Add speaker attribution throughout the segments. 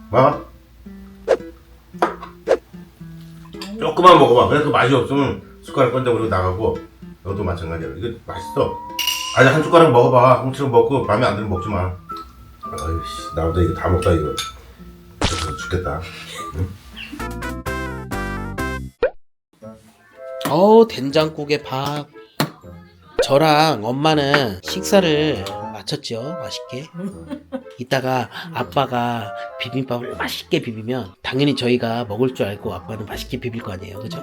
Speaker 1: 봐. 조금만 먹어봐. 그래서 맛이 없으면 숟가락 건져버리고 나가고. 너도 마찬가지야. 이거 맛있어. 아니 한 숟가락 먹어봐. 홍치로 먹고 마음에 안 들면 먹지 마. 아이씨 나보다 이거 다 먹다 이거. 그래서 죽겠다. 응?
Speaker 2: 된장국에 밥. 저랑 엄마는 식사를 마쳤죠. 맛있게. 이따가 아빠가 비빔밥을 맛있게 비비면 당연히 저희가 먹을 줄 알고 아빠는 맛있게 비빌 거 아니에요. 그죠?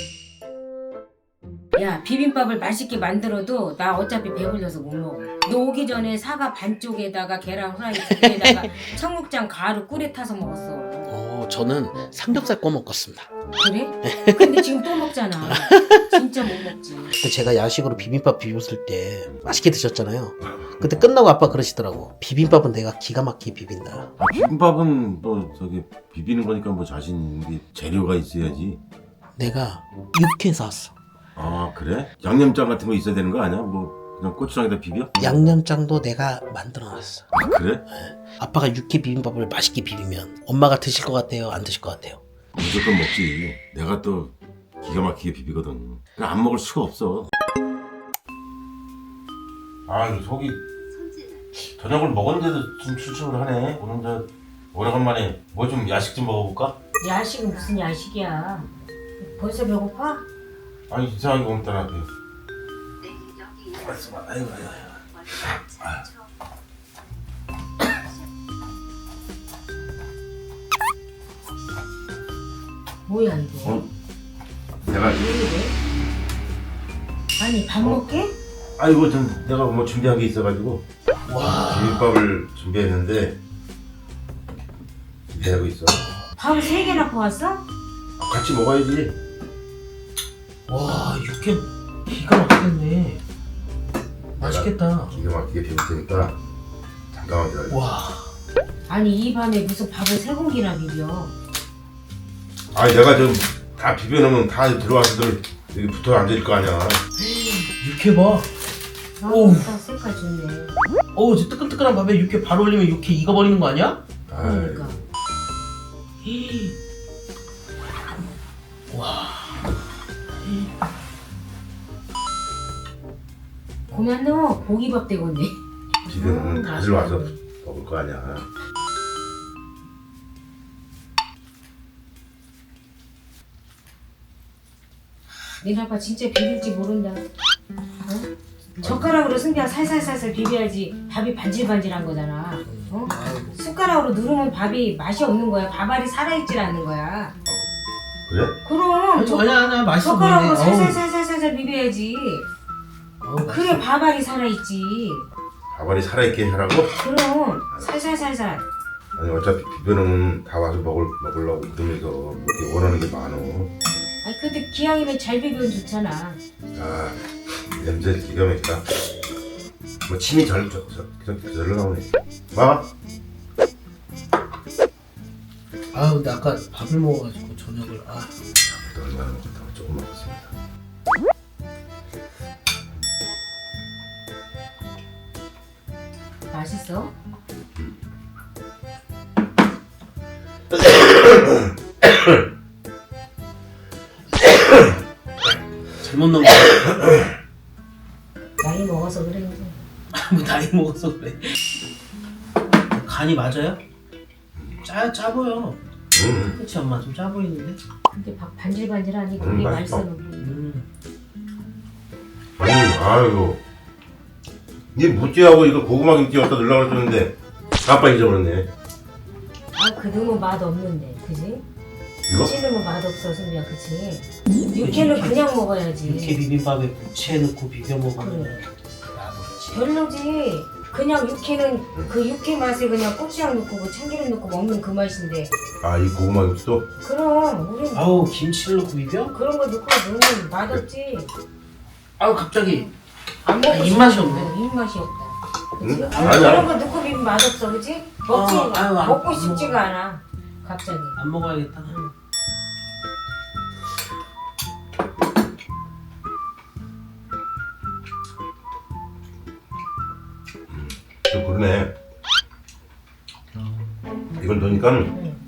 Speaker 3: 야, 비빔밥을 맛있게 만들어도 나 어차피 배불러서 못 먹어. 너 오기 전에 사과 반쪽에다가 계란 후라이 두 개에다가 청국장 가루 꿀에 타서 먹었어.
Speaker 2: 저는 삼겹살 구워 먹었습니다.
Speaker 3: 그래? 근데 지금 또 먹잖아. 진짜 못 먹지.
Speaker 2: 그때 제가 야식으로 비빔밥 비볐을 때 맛있게 드셨잖아요. 그때 끝나고 아빠 그러시더라고. 비빔밥은 내가 기가 막히게 비빈다.
Speaker 1: 비빔밥은 뭐 저기 비비는 거니까 뭐 자신 있게 재료가 있어야지.
Speaker 2: 내가 육회 사왔어.
Speaker 1: 아 그래? 양념장 같은 거 있어야 되는 거 아니야? 뭐 그냥 고추장에다 비벼?
Speaker 2: 양념장도 내가 만들어놨어.
Speaker 1: 아 그래?
Speaker 2: 아빠가 육회 비빔밥을 맛있게 비비면 엄마가 드실 것 같아요? 안 드실 것 같아요?
Speaker 1: 무조건 먹지. 내가 또 기가 막히게 비비거든. 그냥 안 먹을 수가 없어. 아 이 속이 저녁을 먹었는데도 좀 출출을 하네. 오늘 저 오래간만에 뭐 좀 야식 좀 먹어볼까?
Speaker 3: 야식은 무슨 야식이야. 벌써 배고파?
Speaker 1: 아니 이상하게 오늘 따라 아이고
Speaker 3: 뭐야 이거?
Speaker 1: 내가
Speaker 3: 왜 이래? 아니 밥 먹게?
Speaker 1: 아이고 좀 내가 뭐 준비한 게 있어가지고 비빔밥을 준비했는데 준비하고 있어.
Speaker 3: 밥을 3개나 퍼왔어?
Speaker 1: 같이 먹어야지.
Speaker 2: 와, 육회 기가 막히겠네. 맛있겠다.
Speaker 1: 기가 막히게 비빌 테니까 잠깐만 기다려.
Speaker 2: 와,
Speaker 3: 아니 이 밤에 무슨 밥을 3공기나 비벼.
Speaker 1: 아니 내가 좀 다 비벼놓으면 다 들어와서들 여기 붙어 앉을 거 아니야.
Speaker 2: 육회 봐.
Speaker 3: 아우 색깔 좋네.
Speaker 2: 저 뜨끈뜨끈한 밥에 육회 바로 올리면 육회 익어버리는 거 아니야?
Speaker 3: 그러니까.
Speaker 2: 와,
Speaker 3: 고만 너 고기밥 되겠네.
Speaker 1: 비벼놓으면 다들 와서 먹을 거 아니야.
Speaker 3: 니네 아빠 진짜 비빌지 모른다. 어? 젓가락으로 승비야 살살살살 비벼야지 밥이 반질반질한 거잖아. 어? 숟가락으로 누르면 밥이 맛이 없는 거야. 밥알이 살아있질 않는 거야.
Speaker 1: 그래?
Speaker 3: 그럼
Speaker 2: 아니야 맛있어
Speaker 3: 젓가락으로
Speaker 2: 보이네.
Speaker 3: 살살살살살 비벼야지. 그래 밥알이 살아있지.
Speaker 1: 밥알이 살아있게 하라고?
Speaker 3: 그럼 살살살살.
Speaker 1: 아니 어차피 비벼놓으면 다 와서 먹으려고 이러면서 이렇게 원하는 게 많어.
Speaker 3: 아니 근데 기왕이면 잘 비비면 좋잖아.
Speaker 1: 아 냄새 기가 막히다. 뭐 침이 절로 나오네. 봐.
Speaker 2: 근데 아까 밥을 먹어가지고 저녁을
Speaker 1: 또 얼마나 먹었다고 조금 먹었습니다.
Speaker 3: 맛있어?
Speaker 2: 잘못 넣은 거.
Speaker 3: 나이 먹어서 그래.
Speaker 2: 뭐 나이 먹어서 그래. 간이 맞아요? 짜 보여. 그치 엄마 좀 짜 보이는데?
Speaker 3: 근데 밥 반질반질하니 그게
Speaker 1: 맛있어.
Speaker 3: 맛있어.
Speaker 1: 아이고. 니 무찌하고 이거 고구마 김치 갖다 넣으려고 그랬는데 아빠 잊어버렸네.
Speaker 3: 아 그놈은 맛 없는데, 그지?
Speaker 1: 이거?
Speaker 3: 부치는 맛 없어, 승비야, 그치? 육회는 그냥 먹어야지.
Speaker 2: 육회 비빔밥에 부채 넣고 비벼 먹으면
Speaker 3: 그래.
Speaker 2: 나도지.
Speaker 3: 별로지. 그냥 육회는 그 육회 맛에 그냥 고추장 넣고 뭐 참기름 넣고 먹는 그 맛인데.
Speaker 1: 아 이 고구마 김치도?
Speaker 3: 그럼 우린
Speaker 2: 아우 김치를 넣고 비벼?
Speaker 3: 그런 거 넣고 넣으면 맛없지.
Speaker 2: 갑자기
Speaker 3: 안 먹고
Speaker 2: 입맛이
Speaker 3: 싶어.
Speaker 2: 없네.
Speaker 3: 입맛이 없다.
Speaker 1: 응?
Speaker 3: 그치?
Speaker 1: 아니야.
Speaker 3: 그런 거 넣고 비비면 맛없어, 그치? 먹지,
Speaker 2: 아유, 안
Speaker 3: 먹고
Speaker 2: 먹어.
Speaker 3: 싶지가 않아. 갑자기.
Speaker 2: 안 먹어야겠다.
Speaker 1: 또 그러네. 이걸 넣으니까
Speaker 3: 응.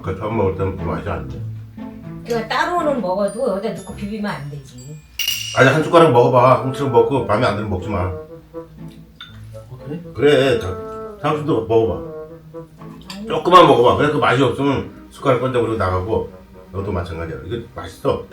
Speaker 1: 아까 처음 먹을 때는 그 맛이 안 돼.
Speaker 3: 그러니까 따로는 먹어도 여기다 넣고 비비면 안 되지.
Speaker 1: 아니 한 숟가락 먹어봐. 홍치로 먹고 마음에 안 들면 먹지 마.
Speaker 2: 그래?
Speaker 1: 그래. 당신도 먹어봐. 조금만 먹어봐. 그래 그 맛이 없으면 숟가락 건져버리고 나가고 너도 마찬가지야. 이거 맛있어.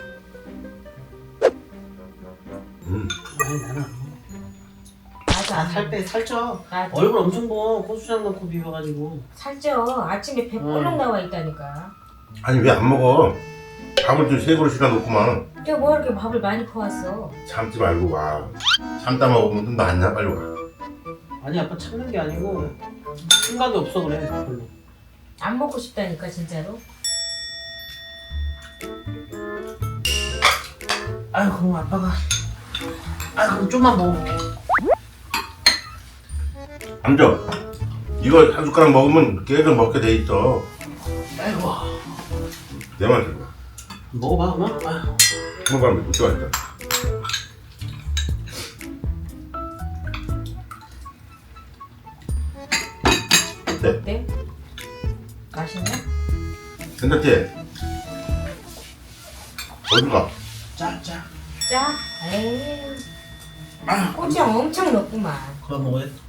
Speaker 2: 아니 나는
Speaker 3: 맞아.
Speaker 2: 살빼 살쪄.
Speaker 3: 맞아.
Speaker 2: 얼굴 엄청 부어. 고추장 넣고 비벼가지고.
Speaker 3: 살쪄. 아침에 배 볼록 나와 있다니까.
Speaker 1: 아니 왜 안 먹어? 밥을 좀 세 그릇이나 놓고만
Speaker 3: 내가 뭐 이렇게 밥을 많이 퍼왔어.
Speaker 1: 참지 말고 와. 참다 먹으면 좀 낫냐 빨리 와.
Speaker 2: 아니 아빠 참는 게 아니고 생각이 없어 그래 별로.
Speaker 3: 안 먹고 싶다니까 진짜로.
Speaker 2: 아유 그럼 아빠가 그럼 좀만 먹어볼게.
Speaker 1: 앉아. 이거 한 숟가락 먹으면 계속 먹게 돼 있어.
Speaker 2: 아이고
Speaker 1: 내 말 들어봐.
Speaker 2: 먹어봐 그만. 아유.
Speaker 1: 한번 못 좋아했다. 네.
Speaker 3: 어때? 맛있냐?
Speaker 1: 괜찮지? 어디가?
Speaker 2: 짜.
Speaker 3: 짜? 에이. 고추장 엄청 넣구만.
Speaker 2: 그만 먹어야 돼.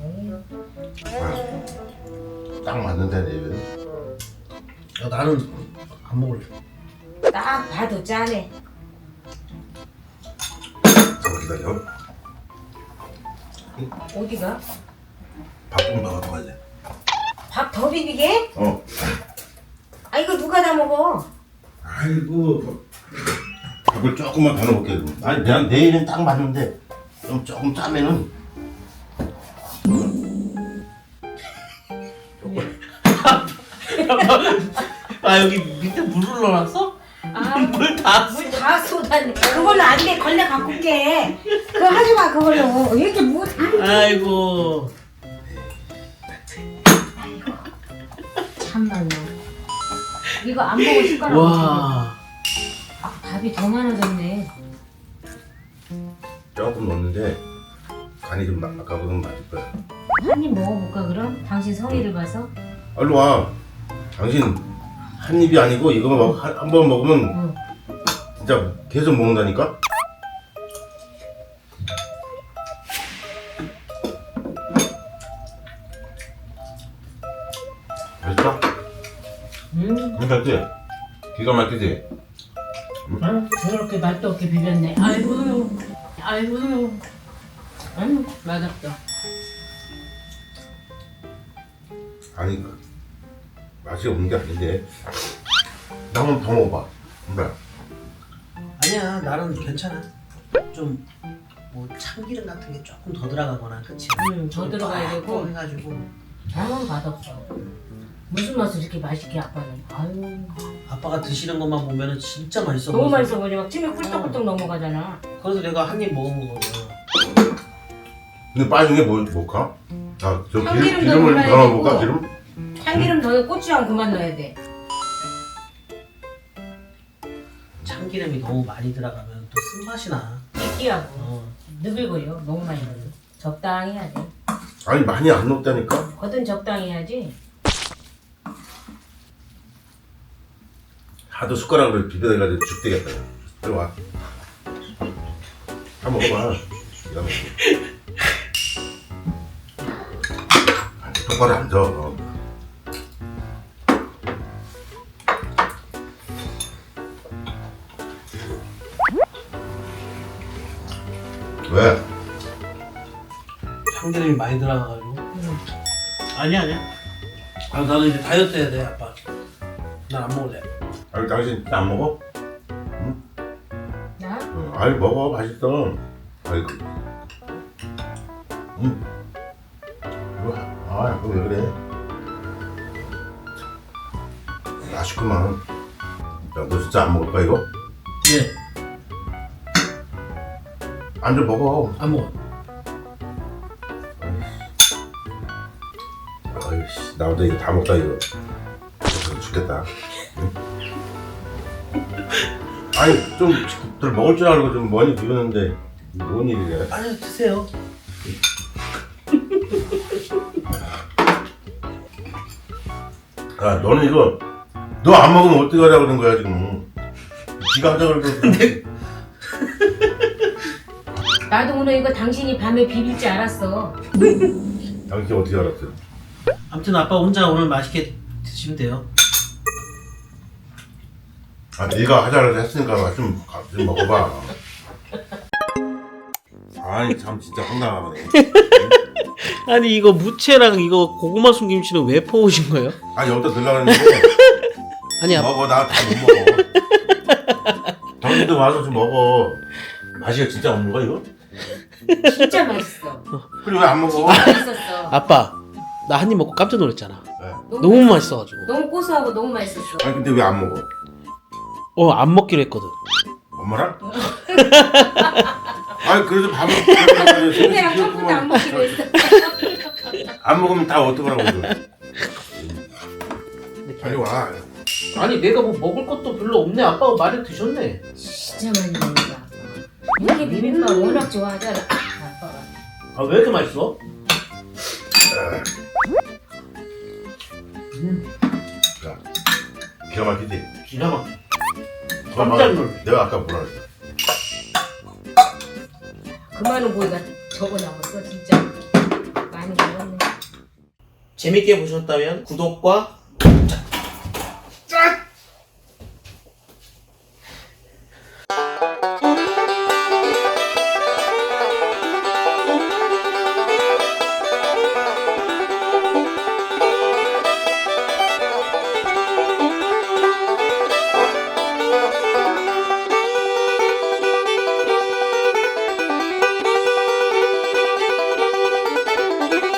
Speaker 1: 딱 맞는데 내 입에.
Speaker 2: 야, 나는 안 먹을래.
Speaker 3: 딱 봐도 짜네.
Speaker 1: 잠깐 기다려.
Speaker 3: 어디가?
Speaker 1: 밥 좀 더 먹어야 돼.
Speaker 3: 밥 더 비비게? 아 이거 누가 다 먹어?
Speaker 1: 아이고. 밥을 조금만 더 넣어볼게. 아니 그냥 내일은 딱 맞는데 좀 조금 짜면은
Speaker 2: 아 여기 밑에 물을 넣어놨어? 물 다.
Speaker 3: 물 다 쏟았네. 그걸로 안 돼. 걸레 갖고 올게. 그거 하지 마 그걸로. 왜 이렇게 뭐
Speaker 2: 아이고.
Speaker 3: 참말로. 이거 안 먹고 숟가락.
Speaker 2: 와.
Speaker 3: 밥이 더 많아졌네.
Speaker 1: 조금 넣었는데 간이 좀 아까보다 맞을 거야.
Speaker 3: 한 입 먹어볼까 그럼? 당신 성의를 봐서?
Speaker 1: 얼른 와. 당신 한 입이 아니고 이거 한 번 먹으면
Speaker 3: 응.
Speaker 1: 진짜 계속 먹는다니까? 맛있어? 괜찮지? 기가 막히지?
Speaker 3: 저렇게 맛도 없게 비볐네. 아이고. 맛없다.
Speaker 1: 아니 맛이 없는 게 아닌데 나 한번 더 먹어봐. 그래.
Speaker 2: 아니야 나는 괜찮아. 좀 뭐 참기름 같은 게 조금 더 들어가거나 그치?
Speaker 3: 더 들어가야 되고.
Speaker 2: 해가지고.
Speaker 3: 아무 맛없어. 무슨 맛을 이렇게 맛있게 아빠는. 아유.
Speaker 2: 아빠가 드시는 것만 보면은 진짜 맛있어.
Speaker 3: 너무
Speaker 2: 보여서.
Speaker 3: 맛있어 보이지. 막 침이 꿀떡꿀떡 넘어가잖아.
Speaker 2: 그래서 내가 한 입 먹은 거거든.
Speaker 1: 근데 빠진 게 뭘까? 아, 저
Speaker 3: 참기름
Speaker 1: 기름을
Speaker 3: 넣어야
Speaker 1: 더 넣어볼까?
Speaker 3: 되고.
Speaker 1: 기름?
Speaker 3: 참기름 넣어 고추장 그만 넣어야 돼.
Speaker 2: 참기름이 너무 많이 들어가면 또 쓴맛이 나.
Speaker 3: 느끼하고 느글거려. 너무 많이 넣어. 적당히 해야 돼.
Speaker 1: 아니 많이 안 넣었다니까?
Speaker 3: 거든 적당히 해야지.
Speaker 1: 하도 숟가락으로 비벼대가지고 죽되겠다. 이리 와. 한번 먹어봐. 기가 막히게. 똑바로 앉아. 왜?
Speaker 2: 참기름이 많이 들어가가지고. 아니야. 아 나는 이제 다이어트 해야 돼 아빠. 난 안 먹을래.
Speaker 1: 아니 당신 안 먹어?
Speaker 3: 나?
Speaker 1: 아니 먹어 맛있어. 아이고. 아 그럼 왜 그래? 맛있구만. 야, 너 진짜 안 먹을 거야 이거?
Speaker 2: 예.
Speaker 1: 앉아 먹어.
Speaker 2: 안 먹어.
Speaker 1: 아이씨 나보다 이거 다 먹다 이거. 죽겠다. 응? 아니 좀들 먹을 줄 알고 좀 많이 비우는데 뭔 일이래?
Speaker 2: 아니요 드세요.
Speaker 1: 아 너는 이거 너 안 먹으면 어떻게 하려고 그러는 거야 지금. 네가 하자 그러고.
Speaker 3: 나도 오늘 이거 당신이 밤에 비빌 줄 알았어.
Speaker 1: 당신 어떻게 알았어?
Speaker 2: 아무튼 아빠 혼자 오늘 맛있게 드시면 돼요.
Speaker 1: 아 네가 하자라고 했으니까 좀 먹어봐. 아니 참 진짜 황당하네.
Speaker 2: 아니 이거 무채랑 이거 고구마 순김치는 왜 퍼오신 거예요?
Speaker 1: 아니 여기다 넣으려고 했는데
Speaker 2: 아니 아빠
Speaker 1: 먹어. 나 다 못 먹어. 당신도 와서 좀 먹어. 맛이 진짜 없는 거야 이거?
Speaker 3: 진짜 맛있어.
Speaker 1: 그리고 왜 안 먹어?
Speaker 3: 진짜 맛있었어.
Speaker 2: 아빠 나 한 입 먹고 깜짝 놀랐잖아.
Speaker 1: 네.
Speaker 2: 너무 맛있어가지고.
Speaker 3: 너무 고소하고 너무 맛있었어.
Speaker 1: 아니 근데 왜 안 먹어?
Speaker 2: 안 먹기로 했거든.
Speaker 1: 엄마랑? 아니 그래도 밥을
Speaker 3: 내가 처음부터 안 먹기로 했어.
Speaker 1: 안 먹으면 다 어떡하라고 그래. 빨리 와.
Speaker 2: 아니 내가 뭐 먹을 것도 별로 없네. 아빠가 많이 드셨네.
Speaker 3: 진짜 많이 먹는다. 아빠. 이렇게 비빔밥 워낙 좋아하잖아. 아빠가.
Speaker 2: 아 왜 이렇게 맛있어?
Speaker 1: 자, 기가 막히지?
Speaker 2: 기가 막혀.
Speaker 1: 깜짝
Speaker 2: 깜짝 놀래.
Speaker 1: 내가 아까 뭐라 그랬어?
Speaker 3: 그 많은 고기가 적어 남았어 진짜. 많이 먹었네.
Speaker 2: 재밌게 보셨다면 구독과